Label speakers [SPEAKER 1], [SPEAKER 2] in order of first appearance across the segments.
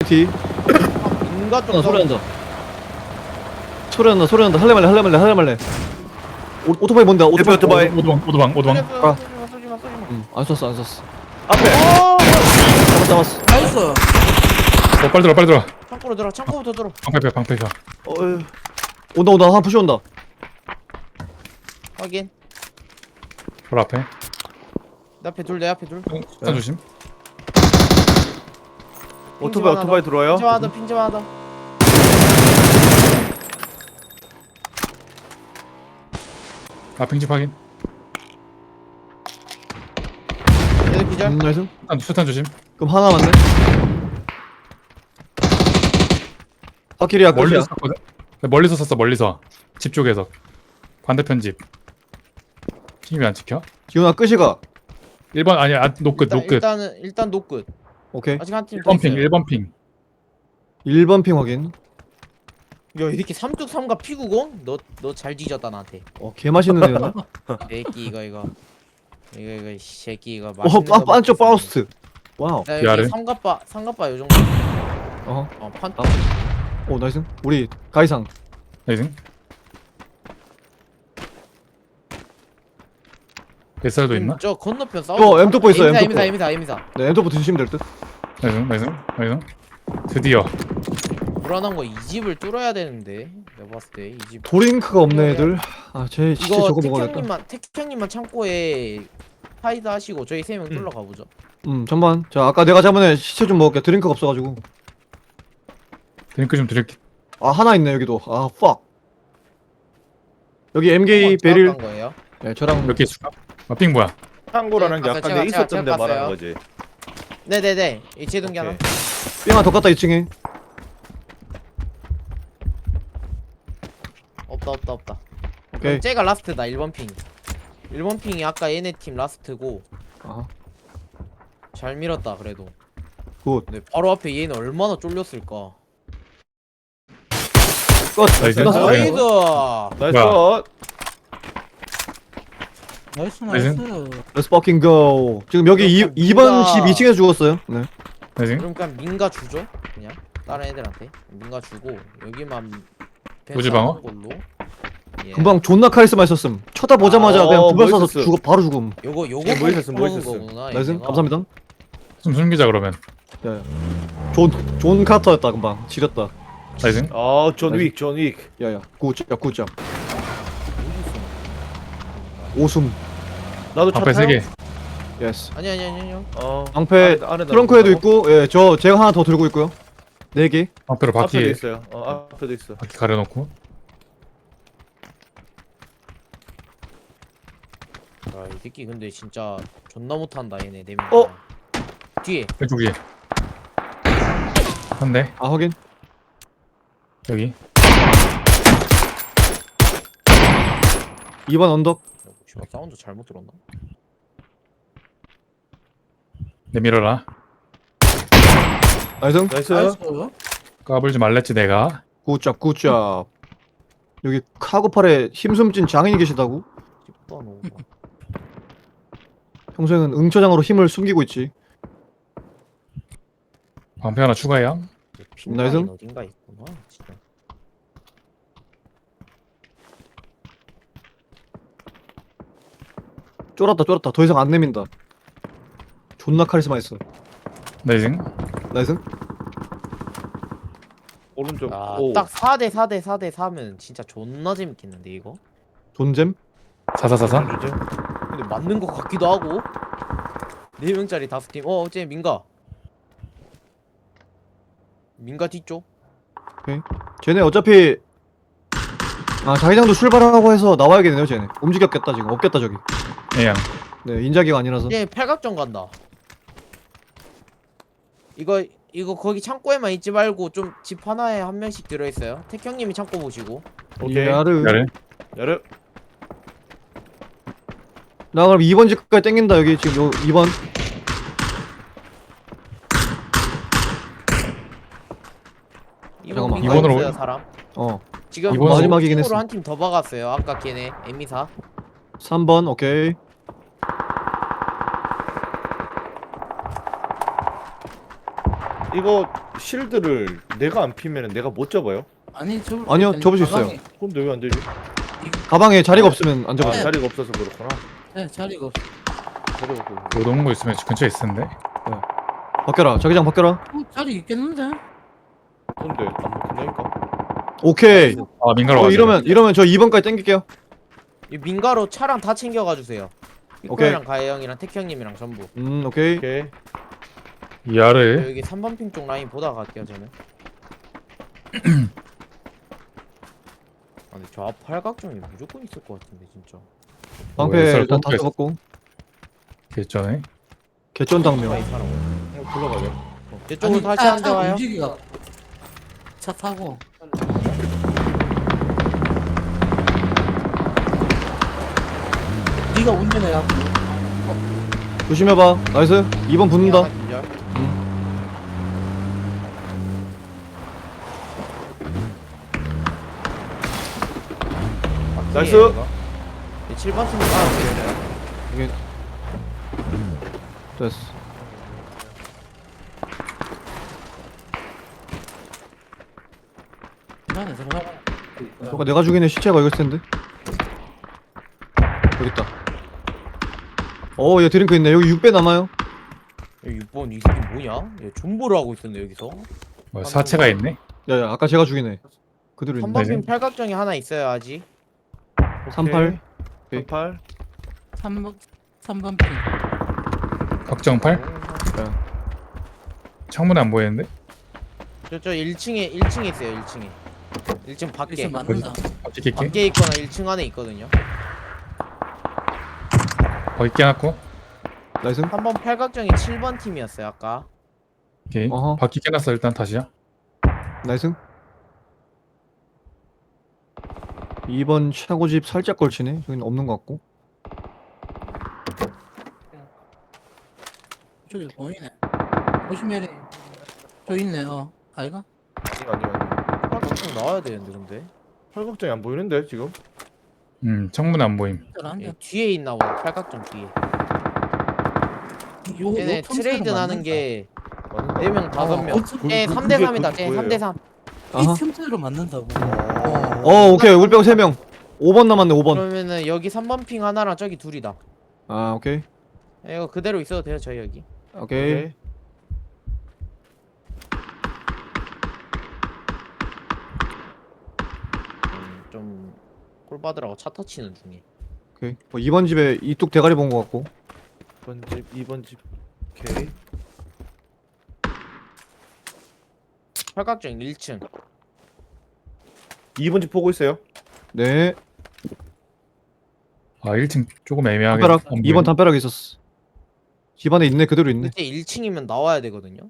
[SPEAKER 1] 뒤.
[SPEAKER 2] 인가 쪽
[SPEAKER 1] 소리 난다. 소리 난다. 할래 말래. 오토바이 뭔데?
[SPEAKER 3] 오토바이.
[SPEAKER 4] 오도방.
[SPEAKER 1] 아.
[SPEAKER 2] 쏘지마.
[SPEAKER 1] 안 쐈어.
[SPEAKER 3] 앞에.
[SPEAKER 1] 잡았어.
[SPEAKER 5] 나이스.
[SPEAKER 4] 빨리 들어.
[SPEAKER 2] 창고로 들어. 창고부터 들어.
[SPEAKER 4] 방패가.
[SPEAKER 1] 온다. 하나 푸시 온다.
[SPEAKER 2] 확인.
[SPEAKER 4] 바로 앞에.
[SPEAKER 2] 내 앞에 둘.
[SPEAKER 4] stand 조심.
[SPEAKER 3] 오토바이 들어와요.
[SPEAKER 2] 핀점 하나 더.
[SPEAKER 4] 핑집 확인.
[SPEAKER 2] 얘들 기절.
[SPEAKER 1] 나이스.
[SPEAKER 4] 수탄 조심.
[SPEAKER 1] 그럼 하나 맞네. 확실이야 끝이야.
[SPEAKER 4] 멀리서 쐈거든. 멀리서 쐈어. 멀리서. 집 쪽에서. 반대편 집. 핑이 왜 안 찍혀?
[SPEAKER 1] 기훈아 끝이가.
[SPEAKER 4] 1번 아니야. 노끝.
[SPEAKER 2] 일단 노끝.
[SPEAKER 1] 오케이.
[SPEAKER 2] 아직 한 팀 더
[SPEAKER 4] 1번 핑.
[SPEAKER 2] 있어요.
[SPEAKER 4] 1번 핑.
[SPEAKER 1] 1번 핑 확인.
[SPEAKER 2] 야 이렇게 3.3과 피구공? 너 잘 뒤졌다 나한테.
[SPEAKER 1] 개 맛있는 애였나?
[SPEAKER 2] 새끼 이거 이 새끼 이거
[SPEAKER 1] 반쪽 바우스트. 와우.
[SPEAKER 2] 나
[SPEAKER 4] 위아래?
[SPEAKER 2] 여기 삼갑바 요 정도. 판.
[SPEAKER 1] 오 나이스. 우리 가이상.
[SPEAKER 4] 나이스. SR도 있나?
[SPEAKER 2] 저 건너편 싸우.
[SPEAKER 1] M4 있어, M4.
[SPEAKER 2] 에미사.
[SPEAKER 1] 네 엔터부 드시면 될 듯.
[SPEAKER 4] 나이스. 드디어.
[SPEAKER 2] 불안한 거 이 집을 뚫어야 되는데 내가 봤을 때 이 집.
[SPEAKER 1] 도링크가 없네 애들. 쟤 진짜
[SPEAKER 2] 이거
[SPEAKER 1] 저거 먹어야겠다.
[SPEAKER 2] 택형님만 창고에 하이드 하시고 저희 3명 뚫러 가보죠.
[SPEAKER 1] 잠만. 자 아까 내가 잡은 애 시체 좀 먹을게. 드링크가 없어가지고.
[SPEAKER 4] 드링크 좀 드릴게.
[SPEAKER 1] 하나 있네 여기도. fuck. 여기 MK 베릴.
[SPEAKER 2] 한 거예요?
[SPEAKER 1] 네 저랑
[SPEAKER 4] 몇 개 있을까? 핑 뭐야?
[SPEAKER 3] 창고라는 게
[SPEAKER 2] 네,
[SPEAKER 3] 아까
[SPEAKER 2] 제가-
[SPEAKER 3] 내가 있었던
[SPEAKER 2] 제가
[SPEAKER 3] 데 말하는
[SPEAKER 2] 봤어요.
[SPEAKER 3] 거지.
[SPEAKER 2] 네네네. 이 제동기 하나.
[SPEAKER 3] 오케이.
[SPEAKER 1] 삥 하나 더 갔다 2층에.
[SPEAKER 2] 없다.
[SPEAKER 1] 오케이.
[SPEAKER 2] 쟤가 라스트다. 1번 핑. 1번 핑이 아까 얘네 팀 라스트고
[SPEAKER 1] 아하.
[SPEAKER 2] 잘 밀었다 그래도.
[SPEAKER 1] 굿.
[SPEAKER 2] 근데 바로 앞에 얘는 얼마나 쫄렸을까.
[SPEAKER 1] 끝.
[SPEAKER 4] 나이스.
[SPEAKER 1] 끝났어.
[SPEAKER 4] 나이스.
[SPEAKER 2] 나이스.
[SPEAKER 3] 나이스.
[SPEAKER 5] 나이스.
[SPEAKER 1] Let's fucking go. 지금 여기
[SPEAKER 2] 그렇게
[SPEAKER 1] 2번 집
[SPEAKER 2] 뭔가-
[SPEAKER 1] 2층에서 죽었어요. 네.
[SPEAKER 4] 나이스.
[SPEAKER 2] 그럼 그냥 민가 주죠. 그냥 다른 애들한테 민가 주고 여기만
[SPEAKER 4] 우지방어?
[SPEAKER 2] 펜스하는 걸로. 예.
[SPEAKER 1] 금방 존나 카리스마 있었음. 쳐다보자마자 그냥 두발 쏴서
[SPEAKER 3] 멋있었어.
[SPEAKER 1] 바로 죽음.
[SPEAKER 2] 요거
[SPEAKER 3] 뭐 있었음, 뭐
[SPEAKER 2] 먹은
[SPEAKER 3] 있었음.
[SPEAKER 2] 거구나,
[SPEAKER 1] 나이스.
[SPEAKER 2] 얘네가.
[SPEAKER 1] 감사합니다.
[SPEAKER 4] 좀 숨기자 그러면.
[SPEAKER 1] 야. 존 카터였다 금방. 지렸다.
[SPEAKER 4] 나이스.
[SPEAKER 3] 존 윅.
[SPEAKER 1] 야야. 굿잡. 오숨.
[SPEAKER 3] 나도 차
[SPEAKER 4] 방패
[SPEAKER 3] 타요?
[SPEAKER 4] 3개.
[SPEAKER 1] 예스.
[SPEAKER 2] 아니요.
[SPEAKER 1] 방패
[SPEAKER 3] 안에다
[SPEAKER 1] 트렁크에도
[SPEAKER 3] 놓고.
[SPEAKER 1] 있고, 제가 하나 더 들고 있고요. 4개.
[SPEAKER 4] 방패로
[SPEAKER 3] 앞에도
[SPEAKER 4] 바퀴
[SPEAKER 3] 있어요. 앞에도 있어.
[SPEAKER 4] 가려놓고.
[SPEAKER 2] 이 새끼 근데 진짜 존나 못한다 얘네 4명. 뒤에.
[SPEAKER 4] 왼쪽 위에. 한 대.
[SPEAKER 1] 확인.
[SPEAKER 4] 여기.
[SPEAKER 1] 2번 언덕.
[SPEAKER 2] 씨발 사운드 잘못 들었나?
[SPEAKER 4] 내밀어라.
[SPEAKER 1] 나이스.
[SPEAKER 3] 나이스.
[SPEAKER 5] 나이스.
[SPEAKER 4] 까불지 말랬지 내가.
[SPEAKER 1] 굿잡. 여기 카고팔에 힘숨진 장인이 계시다고?
[SPEAKER 2] 씹다 놓은 거.
[SPEAKER 1] 평소에는 응처장으로 힘을 숨기고 있지.
[SPEAKER 4] 방패 하나 추가해요.
[SPEAKER 2] 핀라인
[SPEAKER 1] 나이스.
[SPEAKER 2] 어딘가 있구나 진짜.
[SPEAKER 1] 쫄았다. 더 이상 안 내민다. 존나 카리스마 있어.
[SPEAKER 4] 나이스.
[SPEAKER 1] 나이스.
[SPEAKER 3] 오른쪽.
[SPEAKER 2] 딱 4대 4면 진짜 존나 재밌겠는데 이거?
[SPEAKER 1] 존잼.
[SPEAKER 4] 사사사사.
[SPEAKER 2] 근데 맞는 것 같기도 하고 4명짜리 5팀 어째 민가 뒤쪽?
[SPEAKER 1] 쟤네 어차피 자기장도 출발하고 해서 나와야겠네요 쟤네. 움직였겠다 지금. 없겠다 저기.
[SPEAKER 4] 예양.
[SPEAKER 1] 네 인자기가 아니라서.
[SPEAKER 2] 얘 팔각정 간다. 이거 거기 창고에만 있지 말고 좀 집 하나에 한 명씩 들어있어요. 택형님이 창고 보시고.
[SPEAKER 3] 오케이.
[SPEAKER 1] 야르.
[SPEAKER 3] 야르.
[SPEAKER 1] 나 그럼 2번 집까지 땡긴다 여기 지금 요 2번. 잠깐만.
[SPEAKER 4] 이번으로
[SPEAKER 2] 있어요 사람. 지금
[SPEAKER 4] 이번으로
[SPEAKER 1] 마지막이긴 했어.
[SPEAKER 2] 한 팀 더 박았어요. 아까 걔네 에미사.
[SPEAKER 1] 3번 오케이.
[SPEAKER 3] 이거 실드를 내가 안 피면은 내가 못 접어요?
[SPEAKER 5] 아니
[SPEAKER 1] 아니요, 접을 수 있어요.
[SPEAKER 3] 그럼 왜 안 되지?
[SPEAKER 1] 가방에 자리가 없으면 안
[SPEAKER 3] 아,
[SPEAKER 1] 잡아요.
[SPEAKER 3] 자리가 없어서 그렇구나.
[SPEAKER 5] 네, 자리가 없어.
[SPEAKER 3] 자리가 없어서.
[SPEAKER 4] 못 오는 거 있으면 근처에 있었는데.
[SPEAKER 1] 바뀌어라. 자기장 바뀌어라.
[SPEAKER 5] 자리 있겠는데?
[SPEAKER 3] 근데 안 먹힌다니까.
[SPEAKER 1] 오케이.
[SPEAKER 4] 아 민가로 가자.
[SPEAKER 1] 이러면 저 2번까지 땡길게요.
[SPEAKER 2] 이 민가로 차랑 다 챙겨가 주세요.
[SPEAKER 1] 오케이.
[SPEAKER 2] 이코랑 가해 형이랑 택 형님이랑 전부.
[SPEAKER 1] 오케이.
[SPEAKER 3] 오케이.
[SPEAKER 4] 야를.
[SPEAKER 2] 여기 3번 핑 쪽 라인 보다 갈게요 저는. 아니 저 앞 팔각정이 무조건 있을 것 같은데 진짜.
[SPEAKER 1] 방패
[SPEAKER 4] 뭐,
[SPEAKER 1] 일단 다
[SPEAKER 4] 썰
[SPEAKER 1] 써봤고.
[SPEAKER 4] 개쩌네.
[SPEAKER 1] 개쩐 당면.
[SPEAKER 2] 라인 사라고.
[SPEAKER 3] 형 불러가자.
[SPEAKER 2] 이쪽으로 다시 한 대 와요.
[SPEAKER 5] 움직이가 차 타고. 네가 운전해야
[SPEAKER 1] 조심해봐. 나이스. 2번 붙는다.
[SPEAKER 2] 하나 기절.
[SPEAKER 3] 나이스.
[SPEAKER 2] 7번 팀이 깔아주겠어요.
[SPEAKER 1] 여기. 됐어.
[SPEAKER 5] 안에 들어가.
[SPEAKER 1] 저거 내가 죽인 애 시체가 여기 있을 텐데. 여기 있다. 얘 드링크 있네. 여기 6배 남아요.
[SPEAKER 2] 여기 6번 이 새끼 뭐냐? 얘 존버를 하고 있었네 여기서.
[SPEAKER 4] 뭐 사체가 있네.
[SPEAKER 1] 야야, 아까 제가 죽인 애. 그대로 있네.
[SPEAKER 2] 3번 핑 팔각정이 하나 있어요 아직.
[SPEAKER 1] 38.
[SPEAKER 3] 38.
[SPEAKER 5] 3번 핑.
[SPEAKER 4] 걱정팔. 창문에 안 보이는데.
[SPEAKER 2] 저 1층에 있어요 1층에. 1층 밖에.
[SPEAKER 5] 여기서 맞는다.
[SPEAKER 4] 바퀴 낄게.
[SPEAKER 2] 밖에 있거나 1층 안에 있거든요.
[SPEAKER 4] 거기 깨놨고.
[SPEAKER 1] 나이스.
[SPEAKER 2] 3번 팔각정이 7번 팀이었어요 아까.
[SPEAKER 4] 오케이.
[SPEAKER 1] 어허.
[SPEAKER 4] 바퀴 깨놨어 일단 다시야.
[SPEAKER 1] 나이스. 2번 차고집 살짝 걸치네. 여기는 없는 것 같고.
[SPEAKER 5] 저기 보이네. 보시면 저 있네. 아이가?
[SPEAKER 3] 아니요.
[SPEAKER 2] 팔각정 나와야 되는데 근데.
[SPEAKER 3] 팔각정이 안 보이는데 지금?
[SPEAKER 4] 창문에 안 보임.
[SPEAKER 2] 얘 뒤에 있나 보다 팔각정 뒤에. 얘네 트레이드 나는 게
[SPEAKER 3] 맞는다.
[SPEAKER 2] 4명 5명.
[SPEAKER 3] 그-
[SPEAKER 2] 쟤
[SPEAKER 3] 그-
[SPEAKER 2] 3대
[SPEAKER 3] 그게
[SPEAKER 2] 3이다. 쟤
[SPEAKER 3] 뭐예요?
[SPEAKER 2] 3대 3.
[SPEAKER 1] 아하.
[SPEAKER 5] 이 틈새로 맞는다고.
[SPEAKER 1] 오케이. 우리 빼고 3명. 5번 남았네. 5번.
[SPEAKER 2] 그러면은 여기 3번 핑 하나랑 저기 둘이다.
[SPEAKER 1] 아, 오케이.
[SPEAKER 2] 이거 그대로 있어도 돼요 저희 여기.
[SPEAKER 1] 오케이.
[SPEAKER 2] 좀 꼴받으라고 차 터치는 중에.
[SPEAKER 1] 오케이. 2번 집에 이뚝 대가리 본 것 같고.
[SPEAKER 3] 2번 집, 2번 집. 오케이.
[SPEAKER 2] 팔각정 1층.
[SPEAKER 3] 2번 집 보고 있어요.
[SPEAKER 1] 네.
[SPEAKER 4] 아 1층 조금 애매하게.
[SPEAKER 1] 담벼락.
[SPEAKER 4] 안
[SPEAKER 1] 2번
[SPEAKER 4] 보이네.
[SPEAKER 1] 담벼락에 있었어. 집안에 있네. 그대로 있네.
[SPEAKER 2] 그때 1층이면 나와야 되거든요.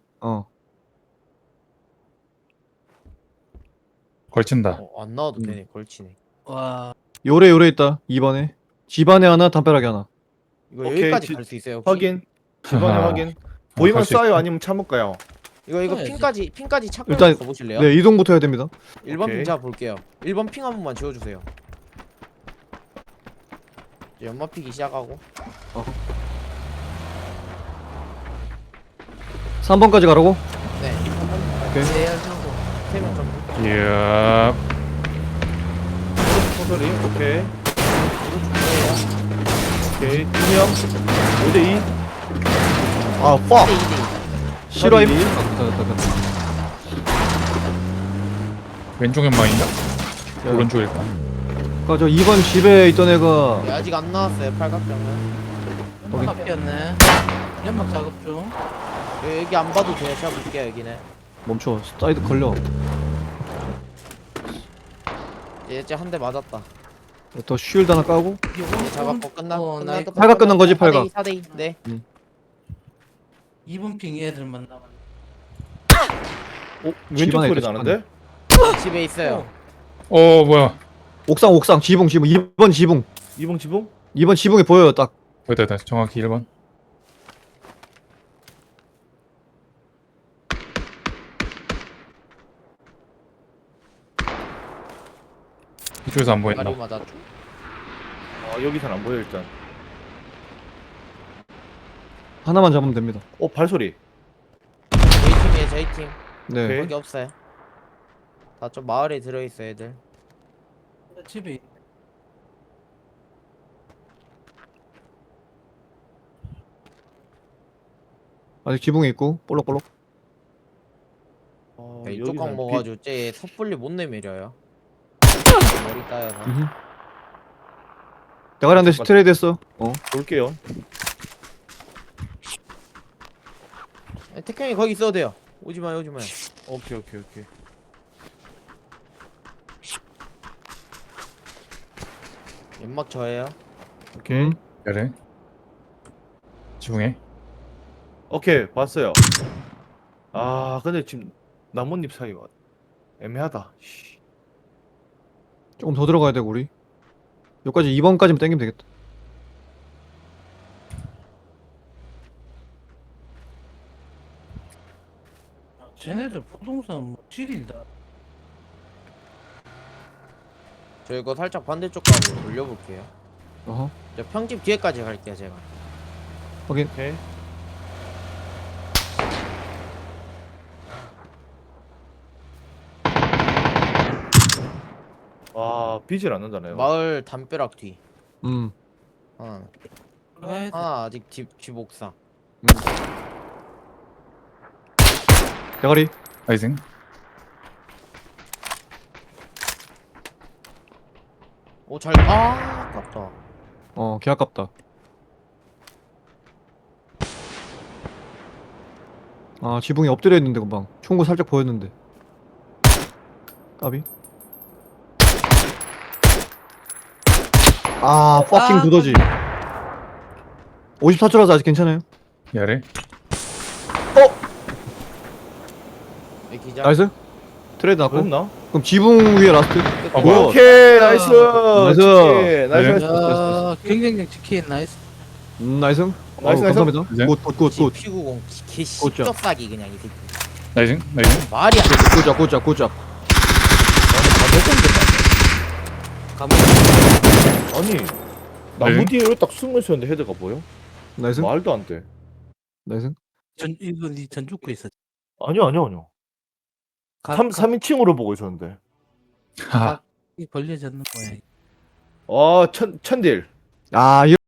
[SPEAKER 4] 걸친다.
[SPEAKER 2] 안 나와도 되네. 걸치네.
[SPEAKER 5] 와.
[SPEAKER 1] 요래 있다. 2번에. 집안에 하나, 담벼락에 하나.
[SPEAKER 2] 이거
[SPEAKER 3] 오케이,
[SPEAKER 2] 여기까지
[SPEAKER 3] 지-
[SPEAKER 2] 갈 수 있어요. 혹시?
[SPEAKER 3] 확인. 집안에
[SPEAKER 4] 아하.
[SPEAKER 3] 확인. 보이면
[SPEAKER 4] 갈수
[SPEAKER 3] 쏴요
[SPEAKER 4] 있어.
[SPEAKER 3] 아니면 참을까요?
[SPEAKER 2] 이거
[SPEAKER 5] 해야지.
[SPEAKER 2] 핑까지 찾고
[SPEAKER 1] 일단-
[SPEAKER 2] 가보실래요?
[SPEAKER 1] 네, 이동부터 해야 됩니다.
[SPEAKER 2] 1번
[SPEAKER 3] 오케이.
[SPEAKER 2] 핑 제가 볼게요. 1번 핑 한 번만 지워주세요. 이제 연마 피기 시작하고.
[SPEAKER 1] 3번까지 가라고?
[SPEAKER 2] 네.
[SPEAKER 1] 오케이.
[SPEAKER 5] 제야하고
[SPEAKER 2] 3명 전부.
[SPEAKER 4] 이야.
[SPEAKER 3] 소설이. 오케이.
[SPEAKER 2] 이거 중요해요.
[SPEAKER 3] 오케이. 2명. 5대2.
[SPEAKER 1] 아, fuck.
[SPEAKER 2] 2대2.
[SPEAKER 1] 실화임?
[SPEAKER 3] 서리.
[SPEAKER 4] 왼쪽 연방인가? 오른쪽일까?
[SPEAKER 1] 저 2번 집에 있던 애가
[SPEAKER 2] 아직 안 나왔어요. 팔각정은.
[SPEAKER 5] 연막 피었네. 연막 작업 중.
[SPEAKER 2] 여기 안 봐도 돼요. 제가 볼게요. 여기는.
[SPEAKER 1] 멈춰. 사이드 걸려.
[SPEAKER 2] 이제 한 대 맞았다.
[SPEAKER 1] 더 쉴드 하나 까고.
[SPEAKER 2] 이제 잡았고 끝났다.
[SPEAKER 1] 팔각 끝난 거지, 팔각.
[SPEAKER 2] 4대2. 네.
[SPEAKER 5] 2번 핑 애들 만나면.
[SPEAKER 3] 왼쪽
[SPEAKER 1] 집안에
[SPEAKER 3] 소리
[SPEAKER 1] 있다,
[SPEAKER 3] 나는데?
[SPEAKER 2] 집에 있어요.
[SPEAKER 4] 뭐야?
[SPEAKER 1] 옥상, 지붕. 2번 지붕.
[SPEAKER 3] 2번 지붕?
[SPEAKER 1] 2번 지붕에 보여요, 딱.
[SPEAKER 4] 보였다. 정확히 1번. 이쪽에서 안 보인다.
[SPEAKER 2] 머리 맞았죠.
[SPEAKER 3] 여기선 안 보여 일단.
[SPEAKER 1] 하나만 잡으면 됩니다.
[SPEAKER 3] 발소리.
[SPEAKER 2] 저희 팀에 저희 팀
[SPEAKER 1] 네.
[SPEAKER 3] 오케이.
[SPEAKER 2] 거기 없어요. 다 좀 마을에 들어있어 애들.
[SPEAKER 5] 집에
[SPEAKER 1] 아직 지붕에 있고 볼록볼록.
[SPEAKER 2] 이쪽 강 먹어가지고 쟤 섣불리 못 내밀어요. 머리 따여서.
[SPEAKER 1] 대가리 한 대씩 트레이드 했어.
[SPEAKER 3] 볼게요.
[SPEAKER 2] 태형이 거기 있어도 돼요. 오지 마요, 오지 마요.
[SPEAKER 3] 오케이 오케이 오케이.
[SPEAKER 2] 연막 저예요.
[SPEAKER 3] 오케이.
[SPEAKER 4] 그래. 지붕에.
[SPEAKER 3] 오케이 봤어요. 아 근데 지금 나뭇잎 사이가 애매하다. 씨.
[SPEAKER 1] 조금 더 들어가야 되고 우리. 여기까지 2번까지만 땡기면 되겠다.
[SPEAKER 5] 쟤네들 부동산 뭐 지린다.
[SPEAKER 2] 저 이거 살짝 반대쪽 가고 돌려볼게요.
[SPEAKER 1] 어허.
[SPEAKER 2] 저 평집 뒤에까지 갈게요, 제가.
[SPEAKER 1] 확인.
[SPEAKER 3] 오케이. 아 비질 않는다네요.
[SPEAKER 2] 마을 담벼락 뒤.
[SPEAKER 1] 음.
[SPEAKER 2] 하나 아직 집 옥상.
[SPEAKER 1] 대가리.
[SPEAKER 4] 나이스.
[SPEAKER 2] 오, 아깝다.
[SPEAKER 1] 개 아깝다. 아, 지붕이 엎드려 있는데 금방. 총구 살짝 보였는데. 까비. 아, 퍼킹 두더지. 54초라서 아직 괜찮아요.
[SPEAKER 4] 야래.
[SPEAKER 2] 이 기자.
[SPEAKER 1] 나이스. 트레이드 났고.
[SPEAKER 3] 그랬나?
[SPEAKER 1] 그럼 지붕 위에 라스트.
[SPEAKER 4] 어,
[SPEAKER 1] 뭐야?
[SPEAKER 3] 오케이 나이스.
[SPEAKER 1] 나이스.
[SPEAKER 3] 오케이, 나이스.
[SPEAKER 4] 네.
[SPEAKER 3] 나이스.
[SPEAKER 5] 야, 경쟁력 치킨 나이스.
[SPEAKER 1] 나이스.
[SPEAKER 3] 나이스, 나이스.
[SPEAKER 1] 감사합니다.
[SPEAKER 4] 이제?
[SPEAKER 1] 굿.
[SPEAKER 2] P90 개
[SPEAKER 1] 꽂자.
[SPEAKER 2] 씹덕싸기 그냥 이 새끼.
[SPEAKER 4] 나이스. 나이스.
[SPEAKER 2] 말이 안 돼.
[SPEAKER 1] 굿잡.
[SPEAKER 3] 아니 나무 뒤에 딱 숨어 있었는데 헤드가 보여?
[SPEAKER 1] 나이스.
[SPEAKER 3] 말도 안 돼.
[SPEAKER 1] 나이스.
[SPEAKER 5] 이거 니 전주구 있었지.
[SPEAKER 3] 아니요. 3인칭으로 보고 있었는데.
[SPEAKER 4] 하하.
[SPEAKER 5] 이 벌려졌는 모양.
[SPEAKER 3] 아 천딜.
[SPEAKER 1] 아,